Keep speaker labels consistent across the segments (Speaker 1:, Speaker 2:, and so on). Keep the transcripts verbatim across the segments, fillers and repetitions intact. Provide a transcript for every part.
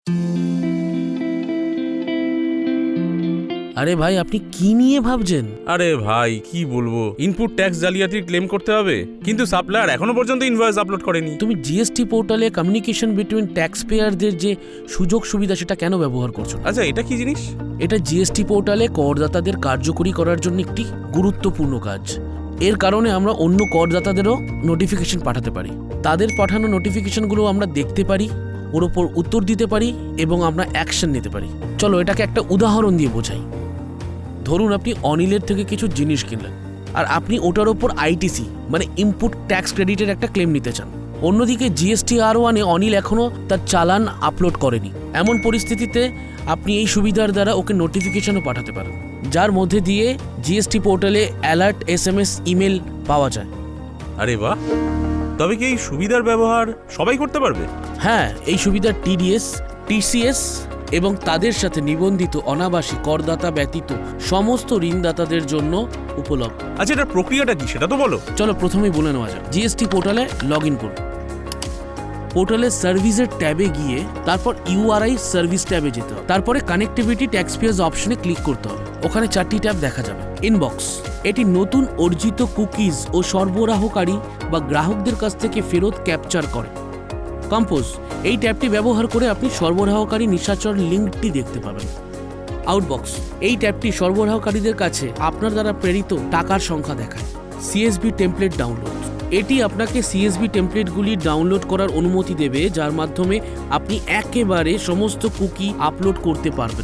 Speaker 1: আরে ভাই, আপনি কি নিয়ে ভাবছেন?
Speaker 2: আরে ভাই কি বলবো, ইনপুট ট্যাক্স জালিয়াতির ক্লেম করতে হবে, কিন্তু সাপ্লায়ার এখনো পর্যন্ত ইনভয়েস আপলোড করেনি।
Speaker 1: তুমি জিএসটি পোর্টালে কমিউনিকেশন বিটুইন ট্যাক্স পেয়ারদের যে সুযোগ সুবিধা সেটা কেন ব্যবহার করছো না?
Speaker 2: আচ্ছা, এটা কি জিনিস?
Speaker 1: এটা জিএসটি পোর্টালে করদাতাদের কার্যকরী করার জন্য একটি গুরুত্বপূর্ণ কাজ। এর কারণে আমরা অন্য করদাতাদেরও নোটিফিকেশন পাঠাতে পারি। তাদের পাঠানো নোটিফিকেশনগুলো আমরা দেখতে পারি, ওর ওপর উত্তর দিতে পারি এবং আমরা অ্যাকশন নিতে পারি। চলো এটাকে একটা উদাহরণ দিয়ে বোঝাই। ধরুন আপনি অনিলের থেকে কিছু জিনিস কিনলেন, আর আপনি ওটার ওপর আইটিসি মানে ইনপুট ট্যাক্স ক্রেডিটের একটা ক্লেম নিতে চান। অন্যদিকে জিএসটি আর ওয়ানে অনিল এখনও তার চালান আপলোড করেনি। এমন পরিস্থিতিতে আপনি এই সুবিধার দ্বারা ওকে নোটিফিকেশনও পাঠাতে পারেন, যার মধ্যে দিয়ে জিএসটি পোর্টালে alert S M S email পাওয়া যায়।
Speaker 2: আরে বাহ, তবে কি এই সুবিধার ব্যবহার সবাই করতে পারবে?
Speaker 1: হ্যাঁ, এই সুবিধা টিডিএস, টিসিএস এবং তাদের সাথে নিবন্ধিত অনাবাসী করদাতা ব্যতীত সমস্ত ঋণদাতাদের জন্য উপলব্ধ।
Speaker 2: আচ্ছা, এটার প্রক্রিয়াটা কি সেটা তো বলো।
Speaker 1: চলো প্রথমেই বলে নেওয়া যাক। জিএসটি পোর্টালে লগ ইন করুন। পোর্টালের সার্ভিসের ট্যাবে গিয়ে তারপর ইউআরআই সার্ভিস ট্যাবে যেতে হবে। তারপরে কানেক্টিভিটি ট্যাক্স পেয়ার্স অপশনে ক্লিক করতে হবে। ওখানে চারটি ট্যাব দেখা যাবে। ইনবক্স, এটি নতুন অর্জিত কুকিজ ও সরবরাহকারী বা গ্রাহকদের কাছ থেকে ফেরত ক্যাপচার করে। কম্পোজ, এই ট্যাবটি ব্যবহার করে আপনি সরবরাহকারী নিশাচর লিঙ্কটি দেখতে পাবেন। আউটবক্স, এই ট্যাবটি সরবরাহকারীদের কাছে আপনার দ্বারা প্রেরিত টাকার সংখ্যা দেখায়। সিএসবি টেমপ্লেট ডাউনলোড, এটি আপনাকে সিএসবি টেমপ্লেটগুলি ডাউনলোড করার অনুমতি দেবে, যার মাধ্যমে আপনি একেবারে সমস্ত কুকি আপলোড করতে পারবেন।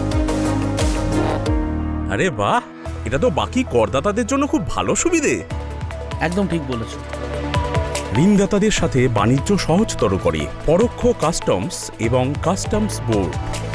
Speaker 2: আরে বাহ, এটা তো বাকি করদাতাদের জন্য খুব ভালো সুবিধে।
Speaker 1: একদম ঠিক বলেছো।
Speaker 2: ঋণদাতাদের সাথে বাণিজ্য সহজতর করে পরোক্ষ কাস্টমস এবং কাস্টমস বোর্ড।